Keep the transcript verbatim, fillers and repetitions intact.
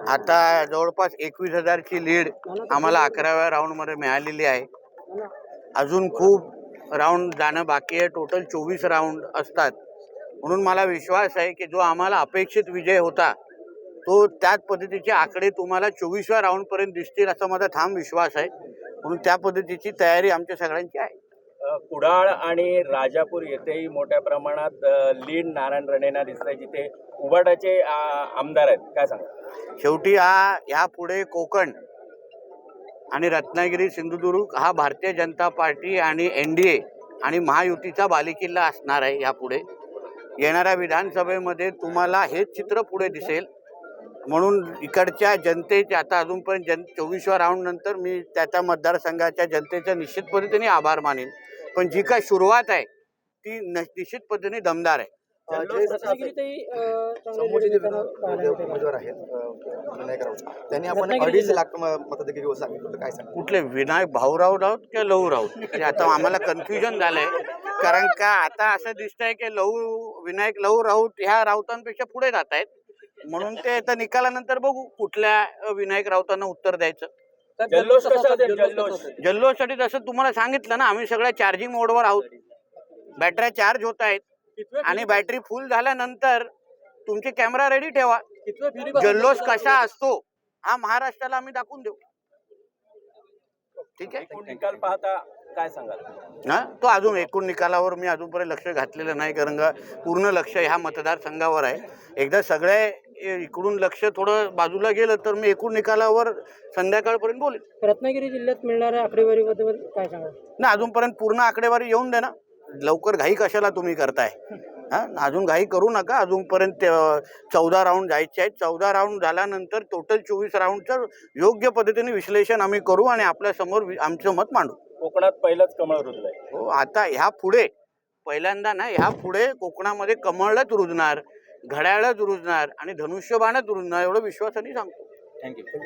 आता जवळपास एकवीस हजारची लीड आम्हाला अकराव्या राऊंडमध्ये मिळालेली आहे. अजून खूप राऊंड जाणं बाकी आहे. टोटल चोवीस राऊंड असतात. म्हणून मला विश्वास आहे की जो आम्हाला अपेक्षित विजय होता तो त्याच पद्धतीचे आकडे तुम्हाला चोवीसव्या राऊंडपर्यंत दिसतील असा माझा ठाम विश्वास आहे. म्हणून त्या पद्धतीची तयारी आमच्या सगळ्यांची आहे. कुडाळ आणि राजापूर येथेही मोठ्या प्रमाणात लीड नारायण राणेंना दिसतंय, जिथे उबाटाचे आमदार आहेत. काय सांगा? शेवटी हा ह्या पुढे कोकण आणि रत्नागिरी सिंधुदुर्ग हा भारतीय जनता पार्टी आणि एन डी ए आणि महायुतीचा बालेकिल्ला असणार आहे. यापुढे येणाऱ्या विधानसभेमध्ये तुम्हाला हेच चित्र पुढे दिसेल. म्हणून इकडच्या जनतेचे आता अजूनपर्यंत जन चोवीसव्या राऊंड नंतर मी त्या त्या मतदारसंघाच्या जनतेचा निश्चित पद्धतीने आभार मानेन. पण जी काय सुरुवात आहे ती निश्चित पद्धतीने दमदार आहे. उमेदवार आहेत त्यांनी आपण अडीच लाख मतदार सांगितलं, काय सांग? कुठले विनायक भाऊराव राऊत किंवा लहू राऊत आता आम्हाला कन्फ्युजन झालंय. कारण का आता असं दिसतंय की लहू विनायक लहू राऊत ह्या राऊतांपेक्षा पुढे जात आहेत. म्हणून ते आता निकालानंतर बघू कुठल्या विनायक राऊतांना उत्तर द्यायचं. जल्लोष कसा असेल? जल्लोष जल्लोषसाठी जसं तुम्हाला सांगितलं ना, आम्ही सगळ्या चार्जिंग मोडवर आहोत. बॅटऱ्या चार्ज होत आहेत आणि बॅटरी फुल झाल्यानंतर तुमचे कॅमेरा रेडी ठेवा. जल्लोष कसा असतो हा महाराष्ट्राला आम्ही दाखवून देऊ. ठीक आहे. निकाल पाहता काय सांगाल? हा तो अजून एकूण निकालावर मी अजूनपर्यंत लक्ष घातलेलं नाही, कारण का पूर्ण लक्ष ह्या मतदारसंघावर आहे. एकदा सगळे इकडून लक्ष थोडं बाजूला गेलं तर मी एकूण निकालावर संध्याकाळपर्यंत बोलेन. रत्नागिरी जिल्ह्यात मिळणाऱ्या आकडेवारीबद्दल काय सांगाल? ना अजूनपर्यंत पूर्ण आकडेवारी येऊन दे ना. लवकर घाई कशाला तुम्ही करताय? हा अजून घाई करू नका. अजूनपर्यंत चौदा राऊंड जायचे आहेत. चौदा राऊंड झाल्यानंतर टोटल चोवीस राऊंडचं योग्य पद्धतीने विश्लेषण आम्ही करू आणि आपल्या समोर आमचं मत मांडू. कोकणात पहिलंच कमळ रुजलंय. हो, आता ह्या पुढे पहिल्यांदा ना ह्या पुढे कोकणामध्ये कमळच रुजणार, घड्याळच रुजणार आणि धनुष्यबाणच रुजणार एवढं विश्वासाने सांगतो. थँक्यू.